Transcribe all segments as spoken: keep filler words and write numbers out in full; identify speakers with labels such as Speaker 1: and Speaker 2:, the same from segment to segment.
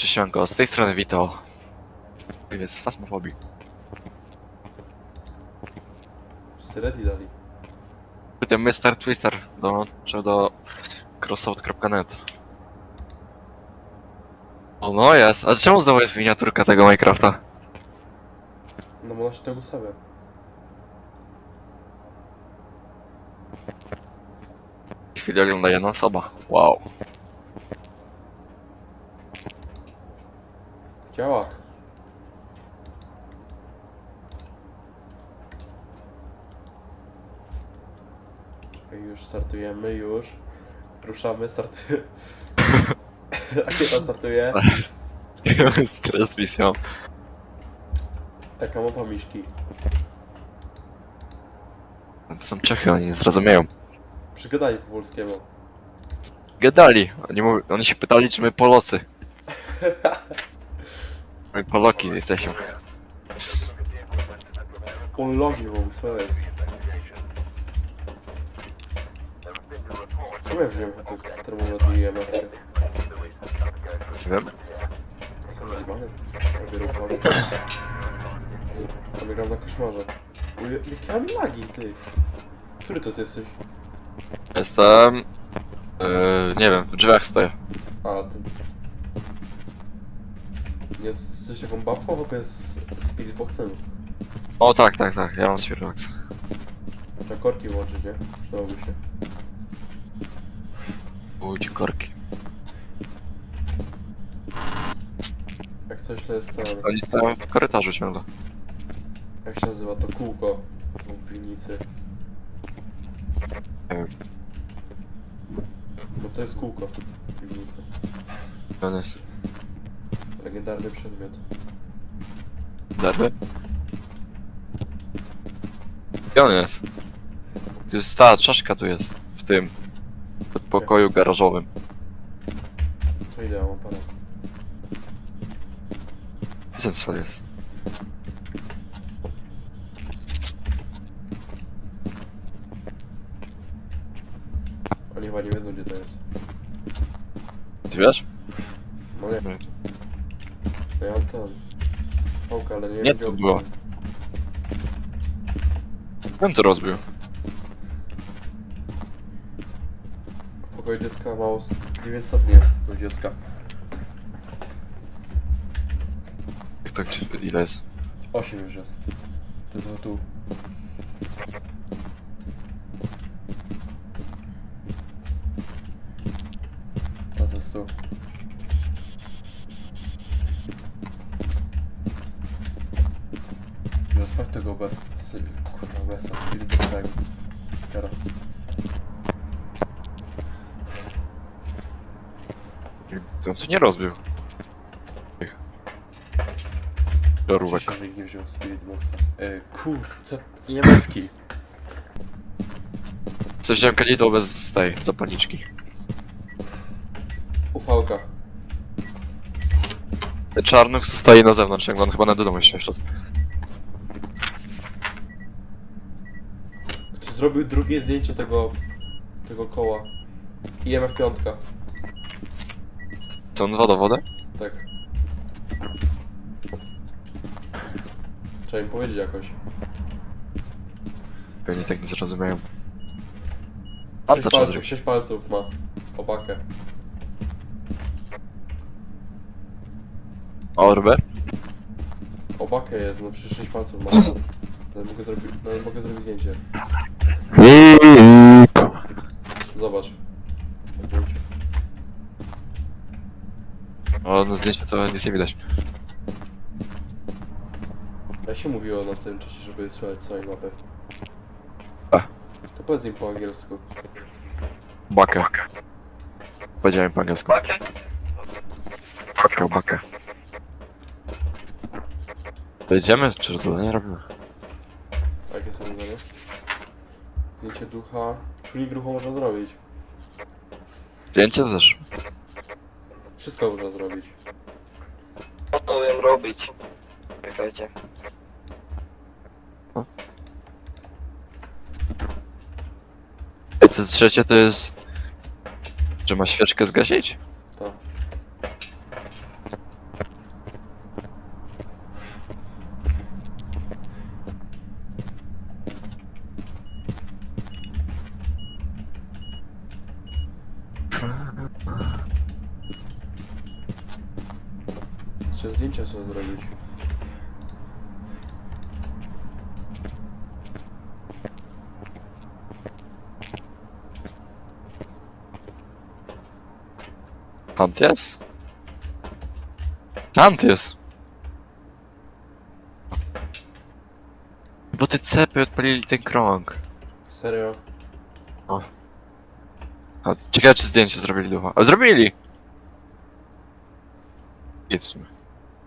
Speaker 1: Cześć Janko, z tej strony Vito. Jest Phasmophobia.
Speaker 2: Wszyscy ready dali.
Speaker 1: Ten mister Twister dołączył do crossout kropka net. O no jest, a czemu znowu jest miniaturka tego Minecrafta?
Speaker 2: No bo ona się tego ustawia.
Speaker 1: W chwili ogląda jedna osoba. Wow.
Speaker 2: Działa. Okej, już startujemy, już. Ruszamy, startuje. Rakieta startuje.
Speaker 1: Z transmisją.
Speaker 2: Jaka mapa miśki.
Speaker 1: To są Czechy, oni nie zrozumieją.
Speaker 2: Przygadali po polskiemu.
Speaker 1: Gadali. Oni, mów... oni się pytali, czy my Polacy. My Poloki jesteśmy.
Speaker 2: On logi wam, co jest? Czemu ja wziąłem ten termometr i M F?
Speaker 1: Nie wiem.
Speaker 2: Są zjebane. Robię ruchami. To gram na koszmarze. Uj, jakie mam lagi, ty? Który to ty jesteś?
Speaker 1: Jestem... Yy, nie wiem, w drzwiach stoję.
Speaker 2: A, ty. Nie, jesteś taką babką? Chłopie z Spiritboxem.
Speaker 1: O tak, tak, tak, ja mam Spirbox.
Speaker 2: Trzeba korki włączyć, nie? Przydałoby się.
Speaker 1: Budzi korki.
Speaker 2: Jak coś to jest ten...
Speaker 1: Oni stoją w korytarzu ciągle.
Speaker 2: Jak się nazywa to kółko w piwnicy?
Speaker 1: Nie wiem,
Speaker 2: No to jest kółko w piwnicy.
Speaker 1: to on jest.
Speaker 2: Legendarny przedmiot.
Speaker 1: Darby? Gdzie on jest? To jest ta czaszka tu jest, w tym pokoju garażowym.
Speaker 2: To idę, mam parę.
Speaker 1: Gdzie ten cel jest?
Speaker 2: Oni chyba nie wiedzą, gdzie to jest.
Speaker 1: Ty wiesz?
Speaker 2: No nie, to ja mam ten... Pałkę, ale nie wiem,
Speaker 1: Nie,
Speaker 2: gdzie
Speaker 1: to
Speaker 2: on-
Speaker 1: było. Kto to rozbił?
Speaker 2: W pokoju dziecka mało... dziewięć stopni jest w pokoju dziecka.
Speaker 1: Jak to gdzie, ile jest?
Speaker 2: osiem już jest. To jest tu. A to jest tu. No sprawdź tego bez... z- Kurwa, besa, Spiritboxego. Teraz.
Speaker 1: To on tu nie rozbił. Tych żarówek.
Speaker 2: Dzisiaj nikt nie wziął Spiritboxa. E, kurczę, I M F-ki.
Speaker 1: Co wziąłem kadzidło bez tej zapalniczki.
Speaker 2: Ufałka.
Speaker 1: Czarnuch zostaje na zewnątrz, jak on chyba na do domu jeszcze wszedł.
Speaker 2: Ktoś zrobił drugie zdjęcie tego... tego koła. I M F piątka.
Speaker 1: Co on woda wodę?
Speaker 2: Tak. Trzeba im powiedzieć jakoś.
Speaker 1: Pewnie tak nie zrozumieją. A
Speaker 2: Sześć
Speaker 1: to trzeba
Speaker 2: palców,
Speaker 1: zrobić.
Speaker 2: sześć palców ma. Opakę.
Speaker 1: Orber?
Speaker 2: Opakę jest, no przecież sześć palców ma. No, mogę zrobić, no, mogę zrobić zdjęcie. Zobacz. Zdjęcie.
Speaker 1: O, na zdjęciu to nic nie widać.
Speaker 2: Jak się mówiło na tym czasie, żeby słuchać całej mapy?
Speaker 1: A.
Speaker 2: To powiedz im po angielsku.
Speaker 1: Bakę. Powiedziałem po angielsku. Bakę, bakę. Pojedziemy, czy zadanie robimy?
Speaker 2: A jakie są zadania? Zdjęcie ducha. Czujnik ruchu można zrobić.
Speaker 1: Zdjęcie też.
Speaker 2: Wszystko można zrobić.
Speaker 3: Co to wiem robić? Czekajcie.
Speaker 1: I to trzecie to jest... Że ma świeczkę zgasić?
Speaker 2: Tak. Jeszcze zdjęcia trzeba zrobić.
Speaker 1: Tam ty jest? Tam ty jest! Bo te cepy odpalili ten krąg.
Speaker 2: Serio?
Speaker 1: A, ciekawe czy zdjęcie zrobili ducha. A zrobili! Idź w sumie.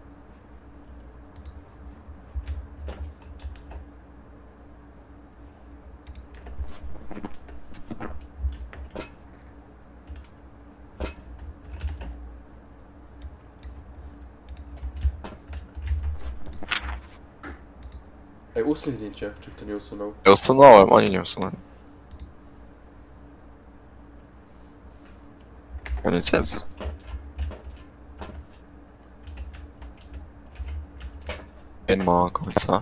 Speaker 2: Ej, usuń zdjęcie, czy kto nie usunął?
Speaker 1: Ja usunąłem, oni nie usunęli. Koniec jest. Nie ma końca.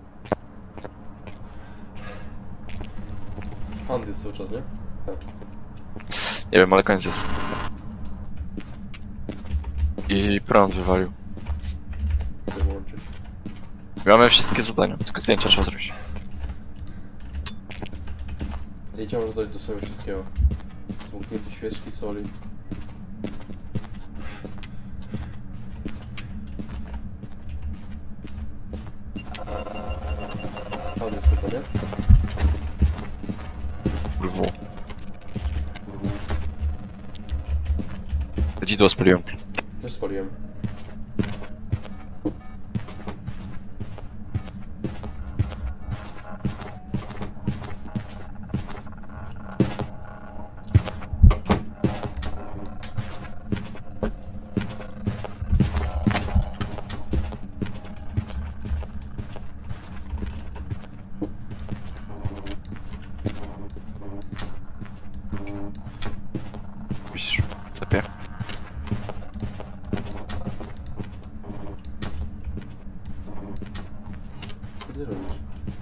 Speaker 2: Hand jest cały czas, nie?
Speaker 1: Nie wiem, ale koniec jest. I prąd wywalił.
Speaker 2: Wyłączyć.
Speaker 1: Mamy wszystkie zadania, tylko zdjęcia trzeba zrobić.
Speaker 2: Zdjęcia można dodać do sobie wszystkiego. Smuknięte świeczki, soli. Hand jest chyba, nie?
Speaker 1: W. Dzidło spaliłem.
Speaker 2: Też spaliłem.
Speaker 1: Widzisz, cepie.
Speaker 2: Co ty robisz?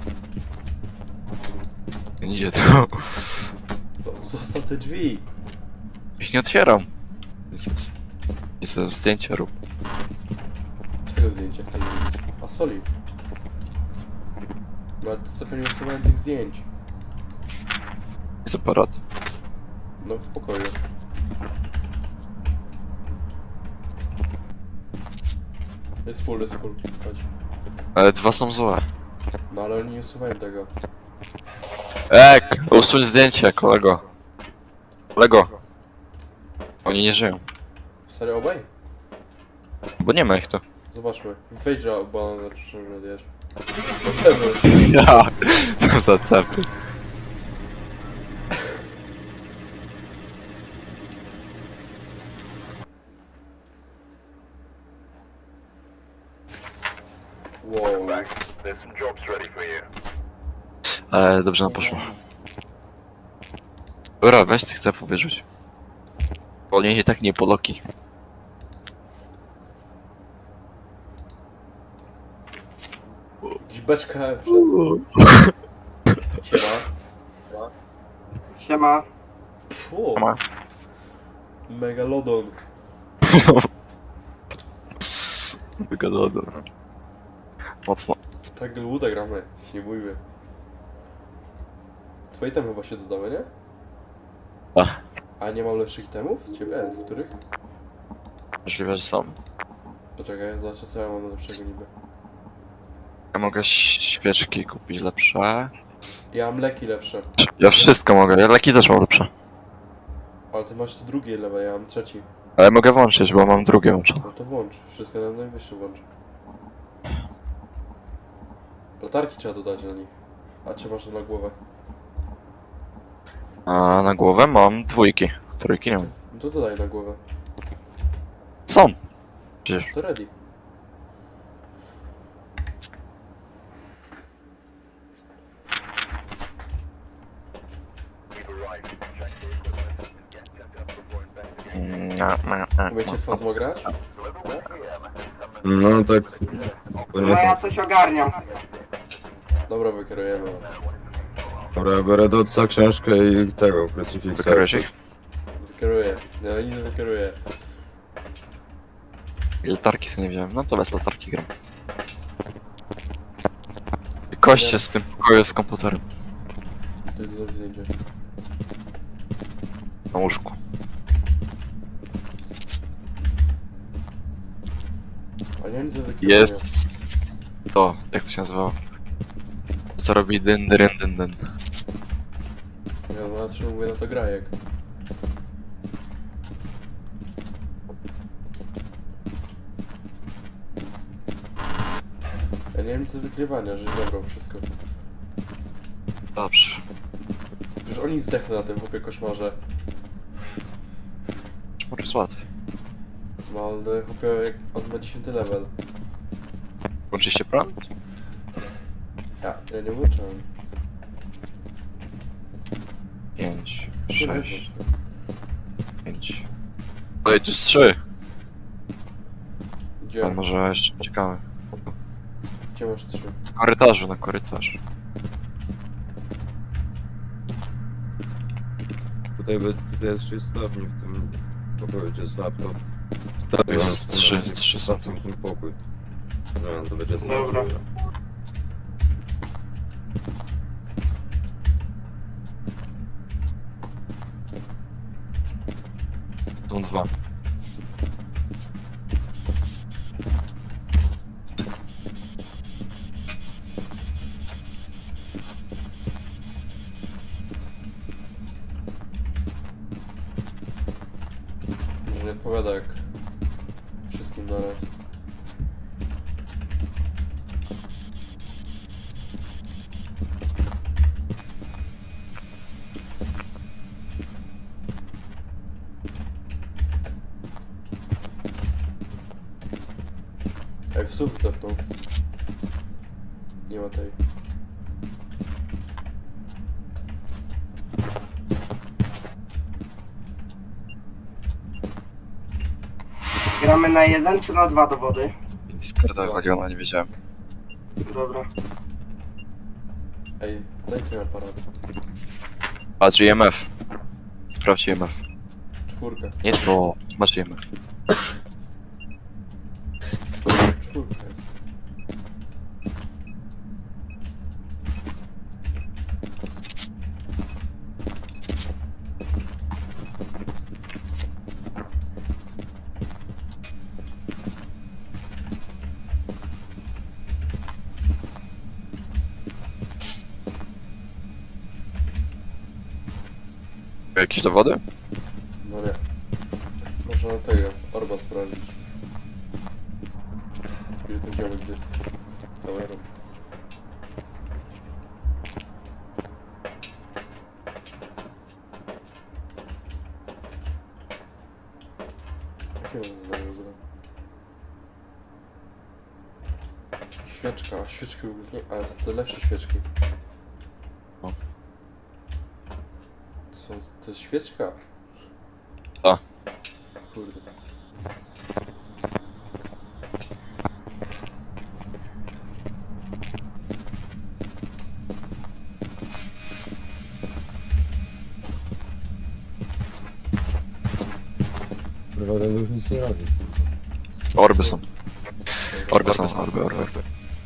Speaker 1: Nie idzie to.
Speaker 2: No, zostaw te drzwi!
Speaker 1: Ich nie otwieram. Jezus. Jezus, zdjęcia rób.
Speaker 2: Czego zdjęcia chcę zrobić? A soli. No ale co pewnie usuwałem tych zdjęć.
Speaker 1: Jest aparat.
Speaker 2: No w pokoju. Jest full, jest full. Chodź.
Speaker 1: Ale dwa są złe.
Speaker 2: No ale nie usuwałem tego.
Speaker 1: Ek! Usuń zdjęcie, kolego. Kolego. Oni nie żyją.
Speaker 2: Serio obaj?
Speaker 1: Bo nie ma ich tu.
Speaker 2: Zobaczmy. Wejdź do balona, zaczysz, że odjesz. Poszedłeś.
Speaker 1: Ja. Co za cepy.
Speaker 2: Wow.
Speaker 4: There's some jobs ready for you.
Speaker 1: Ale dobrze nam poszło. Dobra, weź tych cepów wyrzuć. Bo oni i tak nie poloki.
Speaker 2: Jakiś beczka. Siema.
Speaker 5: Siema.
Speaker 2: Fu.
Speaker 1: Ma.
Speaker 2: Megalodon.
Speaker 1: Wygadano. Mocno.
Speaker 2: Tak luda gramy. Nie bójmy. Twoje temy chyba się dodały, nie?
Speaker 1: A.
Speaker 2: A nie mam lepszych temów? Ciebie? Których?
Speaker 1: Możliwe, że są.
Speaker 2: Poczekaj, zobaczę co ja mam lepszego niby.
Speaker 1: Ja mogę świeczki kupić lepsze.
Speaker 2: Ja mam leki lepsze.
Speaker 1: Ja wszystko mogę, ja leki też mam lepsze.
Speaker 2: Ale ty masz tu drugie lewe, ja mam trzeci.
Speaker 1: Ale mogę włączyć, bo mam drugie włączone.
Speaker 2: No to włącz. Wszystko na najwyższy włącz. Latarki trzeba dodać na nich. A czy masz na głowę?
Speaker 1: A na głowę mam dwójki. Trójki nie mam.
Speaker 2: No to dodaj na głowę.
Speaker 1: Są. Przecież.
Speaker 2: To ready.
Speaker 4: We've arrived. Check the equipment and get set up before investigating.
Speaker 1: Mm,
Speaker 2: Umiecie w Fazmo grać?
Speaker 6: No tak.
Speaker 5: No ja coś ogarniam.
Speaker 2: Dobra, wykierujemy was.
Speaker 6: Dobra, ja biorę Dotsa, książkę i tego, krucyfiksa.
Speaker 1: Wykryłeś ich?
Speaker 2: Wykieruję. No nic nie wykieruję.
Speaker 1: I latarki sobie nie wziąłem. No to bez latarki gram. I koście z tym pokoju z komputerem.
Speaker 2: To jest do zdjęcia.
Speaker 1: Na łóżku.
Speaker 2: A nie mam nic do wykrywania.
Speaker 1: Jest... To, jak to się nazywało? To co robi dyn, dyn, dyn, dyn.
Speaker 2: Ja na trzy mówię na to grajek. Ja nie mam nic do wykrywania, że zabrał wszystko.
Speaker 1: Dobrze.
Speaker 2: Przecież oni zdechli na tym chłopie koszmarze.
Speaker 1: Może jest łatwy.
Speaker 2: No ale chłopie jak on ma dziesiąty level.
Speaker 1: Włączyliście prąd?
Speaker 2: Ja, ja nie włączałem.
Speaker 1: Pięć,
Speaker 2: Nie
Speaker 1: sześć,
Speaker 2: włączam.
Speaker 1: pięć. Ej, tu jest trzy.
Speaker 2: Gdzie?
Speaker 1: A może jeszcze czekamy.
Speaker 2: Gdzie masz trzy?
Speaker 1: Na korytarzu, na korytarzu.
Speaker 6: Tutaj, by, tutaj jest trzy stopni w tym pokoju, gdzie jest laptop.
Speaker 1: Tu jest trzy, trzy są tu.
Speaker 6: stopni w tym pokój. No, to będzie
Speaker 5: Dobra.
Speaker 1: Są dwa.
Speaker 2: Może nie odpowiada jak wszystkim naraz. Ej, w słów wdepnął. Nie ma tej.
Speaker 5: Gramy na jeden czy na dwa dowody?
Speaker 1: Discorda wywaliona, nie wiedziałem.
Speaker 5: Dobra.
Speaker 2: Ej, daj ten aparat.
Speaker 1: Patrz, I M F. Sprawdź I M F.
Speaker 2: Czwórkę.
Speaker 1: Nie to, masz I M F.
Speaker 2: Czwórka jest.
Speaker 1: Jakieś dowody?
Speaker 2: No nie. Można tego, Orba sprawdzić. Gdzie ten ziomek jest z kamerą. Jakie mam zadanie w ogóle? Świeczka, a świeczki w ogóle nie... A, są to lepsze świeczki.
Speaker 1: No.
Speaker 2: Co, to jest świeczka?
Speaker 1: A.
Speaker 2: Kurde.
Speaker 6: Chyba ten już nic nie robi.
Speaker 1: Orby są. Orby są, orby, orby, orby.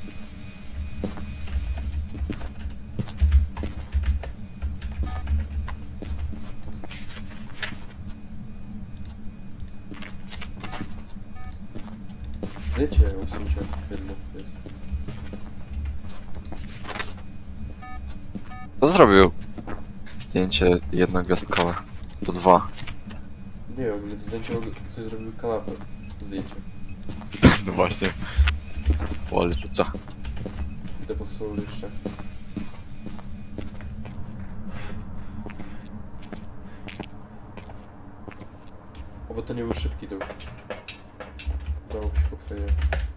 Speaker 2: Zdjęcie usuńcie jedno jest.
Speaker 1: Kto zrobił zdjęcie jednogwiazdkowe? To dwa.
Speaker 2: Nie wiem, to zdjęcie ktoś zrobił kanapę. Zdjęcie.
Speaker 1: No właśnie. Wall rzuca.
Speaker 2: Idę po sól jeszcze. O, bo to nie był szybki dół. Udało mi się po chwilę.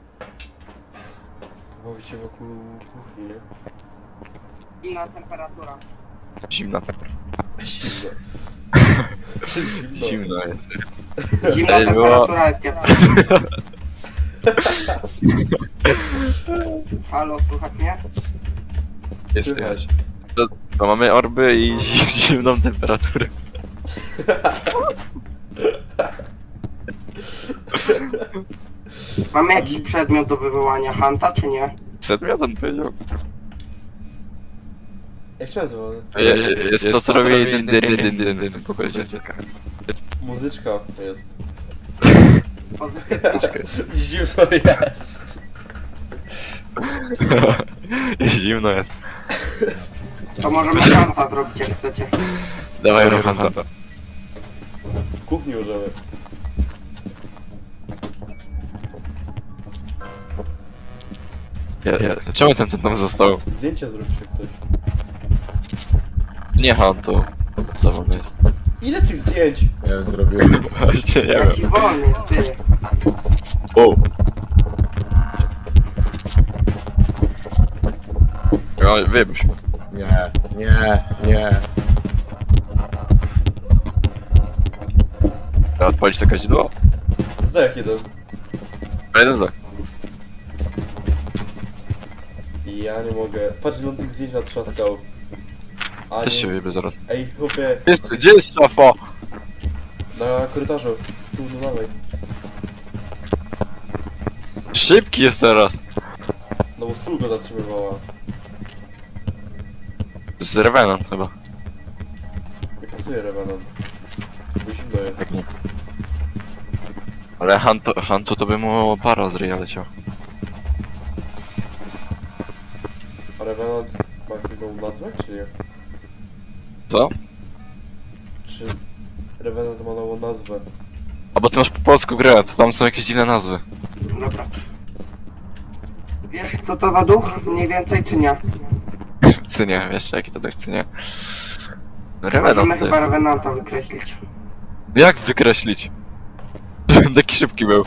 Speaker 2: Bawić się wokół kuchni, nie?
Speaker 5: Inna temperatura.
Speaker 1: Zimna temperatura.
Speaker 2: Zimno.
Speaker 1: Zimno jest.
Speaker 5: Zimna
Speaker 1: Ej, było-
Speaker 5: temperatura jest ciepła. Halo, słuchaj mnie?
Speaker 1: Jest
Speaker 2: Słychać.
Speaker 1: słychać. To, to mamy orby i zimną temperaturę.
Speaker 5: Mamy jakiś przedmiot do wywołania Hanta, czy nie?
Speaker 1: Przedmiotem powiedział.
Speaker 2: Jak się nazywa?
Speaker 1: Je- je- Jest to, co robi dyn, dyn, dyn, dyn, dyn, dyn, w pokoju dziennika.
Speaker 2: Muzyczka jest.
Speaker 5: Pozytywnie.
Speaker 2: Zimno jest.
Speaker 1: Jest zimno jest.
Speaker 5: To możemy Hanta zrobić, jak chcecie.
Speaker 1: Dawaj Rohanta.
Speaker 2: W kuchni możemy.
Speaker 1: Ja, ja, czemu ten ten tam został?
Speaker 2: Zdjęcia zróbcie ktoś.
Speaker 1: Nie Hantu. Zabawny jest.
Speaker 2: Ile tych zdjęć?
Speaker 6: Ja już zrobiłem.
Speaker 1: Właśnie nie
Speaker 5: Jaki
Speaker 1: wiem.
Speaker 5: wolny, ty.
Speaker 1: O! No, wyjebś.
Speaker 6: Nie, nie, nie.
Speaker 1: Trzeba odpalić to kadzidło?
Speaker 2: Zdech jeden.
Speaker 1: A jeden za.
Speaker 2: Ja nie mogę. Patrz ile on tych zdjęć natrzaskał. A
Speaker 1: Też
Speaker 2: nie.
Speaker 1: się wyjebie zaraz.
Speaker 2: Ej, chłopie,
Speaker 1: Jest, gdzie jest szafa?
Speaker 2: na korytarzu. Tu, no dawaj.
Speaker 1: Szybki jest teraz.
Speaker 2: No bo sól go zatrzymywała.
Speaker 1: Z Revenant chyba.
Speaker 2: Nie pasuje Revenant. Bo zimno jest.
Speaker 1: Tak nie. Ale Hantu, Hantu to by mu para z ryja leciał.
Speaker 2: A Revenant ma jakąś nową nazwę, czy nie?
Speaker 1: Co?
Speaker 2: Czy Revenant ma nową nazwę?
Speaker 1: A bo ty masz po polsku grę, to tam są jakieś dziwne nazwy.
Speaker 5: Dobra. Wiesz, co to za duch? Mniej więcej, czy nie?
Speaker 1: Cynie, wiesz jaki to tak cynie.
Speaker 5: Możemy
Speaker 1: Revenant to
Speaker 5: chyba
Speaker 1: jest.
Speaker 5: Revenanta wykreślić.
Speaker 1: Jak wykreślić? Taki szybki był.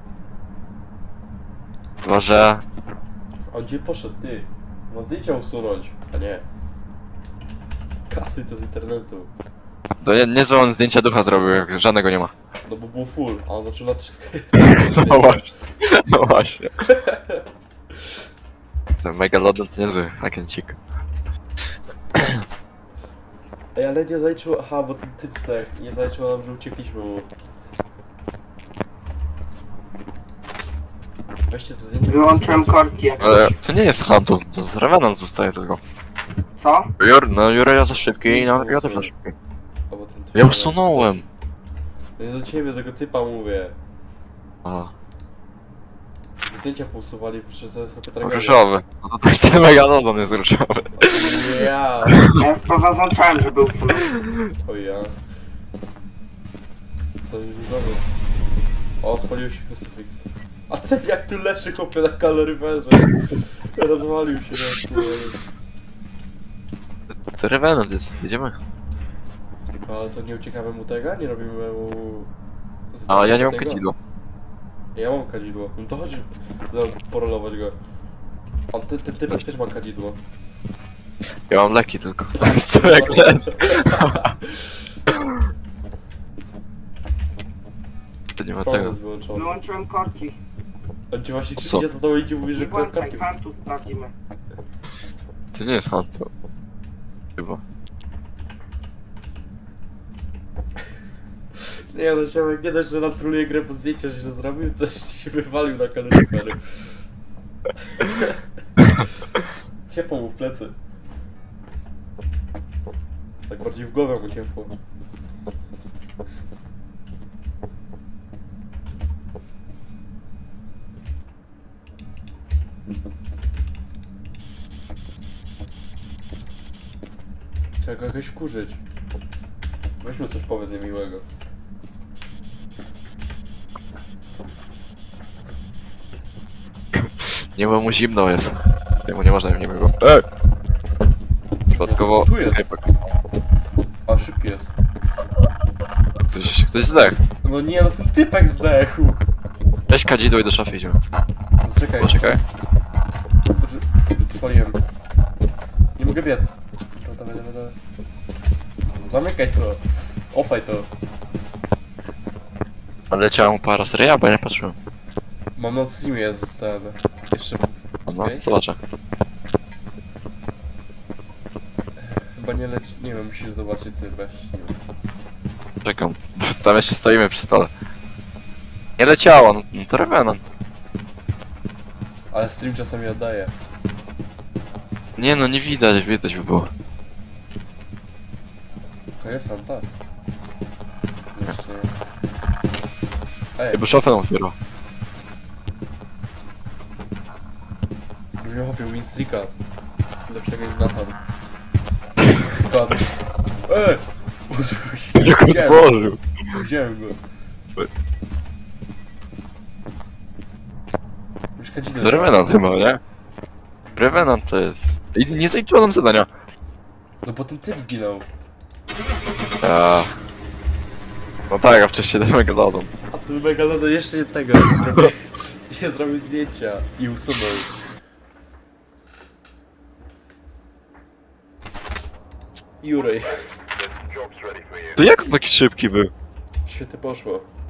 Speaker 1: Może...
Speaker 2: A gdzie poszedł ty? Ma zdjęcia usunąć, a nie. Kasuj to z internetu.
Speaker 1: To nie, niezłe on zdjęcia ducha zrobił, jak żadnego nie ma.
Speaker 2: No bo był full, a on zaczął lat wszystko.
Speaker 1: No właśnie. No właśnie. Ten Megalodon to niezły agencik.
Speaker 2: Ej, ale nie zaliczył, aha, bo ten typ zdech. Nie zaliczył nam, że uciekliśmy mu. Weźcie te zdjęcia.
Speaker 5: Wyłączyłem korki jak
Speaker 1: Ale
Speaker 5: coś.
Speaker 1: to nie jest Hantu, to z Revenant zostaje tylko.
Speaker 5: Co?
Speaker 1: Jur, no Jura ja za szybki i no, ja też za szybki.
Speaker 2: Albo ten
Speaker 1: Ja usunąłem.
Speaker 2: No nie do ciebie, do tego typa mówię.
Speaker 1: A,
Speaker 2: Zdjęcia pousuwali, przecież to jest chyba tragedia.
Speaker 1: różowy. No to ten Megalodon jest różowy.
Speaker 2: Nie ja.
Speaker 5: Ja już pozaznaczałem, żeby usunąć.
Speaker 2: O ja. To jest różowy. O, spalił się crucifix. A ten jak tu leży chłopie na kaloryferze. Rozwalił się na chwilę.
Speaker 1: To Revenant jest, jedziemy.
Speaker 2: Ale to nie uciekamy mu tego? Nie robimy mu...
Speaker 1: A ja nie mam
Speaker 2: tego?
Speaker 1: kadzidła.
Speaker 2: Ja mam kadzidło. No to chodź zaraz porolować go. On ty, ty, typek też ma kadzidło.
Speaker 1: Ja mam leki tylko. Co jak leży? To nie ma
Speaker 2: To
Speaker 1: tego.
Speaker 2: jest wyłączony.
Speaker 5: Wyłączyłem korki.
Speaker 2: On ci właśnie
Speaker 1: O co?
Speaker 2: krzyknie za tobą idzie i mówi,
Speaker 5: Nie
Speaker 2: że
Speaker 5: włączaj,
Speaker 2: kartki...
Speaker 5: Hantu sprawdzimy.
Speaker 1: To nie jest Hantu. Chyba.
Speaker 2: Nie no, Siemek, nie dość, że nam troluje grę po zdjęcia, że się zrobił, to jeszcze się wywalił na kaloryfery. Ciepło mu w plecy. Tak bardziej w głowę mu ciepło. Trzeba go jakoś wkurzyć. Weźmy coś powiedz niemiłego.
Speaker 1: Nie, bo mu zimno jest. Jemu nie można nie było. Ej! Przypadkowo...
Speaker 2: Tu jest.
Speaker 1: Czekaj,
Speaker 2: A, szybki jest.
Speaker 1: ktoś, ktoś zdechł.
Speaker 2: No nie, no ten typek zdechł.
Speaker 1: Weź kadzidło i do szafy idziemy.
Speaker 2: No czekaj.
Speaker 1: Poczekaj.
Speaker 2: Spaliłem. Nie mogę biec. No, dawaj, dawaj, dawaj. Zamykaj to. Ofaj to.
Speaker 1: Ale leciała mu para seria, bo ja nie patrzyłem.
Speaker 2: Mam na streamie jest ten... Jeszcze...
Speaker 1: No,
Speaker 2: Czekaj.
Speaker 1: zobaczę.
Speaker 2: Chyba nie leci... Nie wiem, musisz zobaczyć ty weź. Nie wiem.
Speaker 1: Czekam. Tam jeszcze stoimy przy stole. Nie leciało, no, no to Revenant.
Speaker 2: Ale stream czasami oddaje.
Speaker 1: Nie no, nie widać, widać by było.
Speaker 2: Koniec Hanta? Jeszcze nie. Ej,
Speaker 1: Jakby szofę nam otwierał.
Speaker 2: bym miał chłopie winstreaka. Lepszego niż Nathan. Spadł. Ej!
Speaker 1: Jak
Speaker 2: Widziałem,
Speaker 1: otworzył.
Speaker 2: widziałem go. Mieszka dzidę.
Speaker 1: To Revenant chyba, nie? Revenant to jest... I nie zaliczyło nam zadania.
Speaker 2: No bo ten typ zginął.
Speaker 1: A... No tak, a wcześniej ten Megalodon.
Speaker 2: A ten Megalodon jeszcze nie tego nie zrobił. Nie zrobił zdjęcia i usunął. Jurej.
Speaker 1: To jak on taki szybki był?
Speaker 2: Świetnie poszło.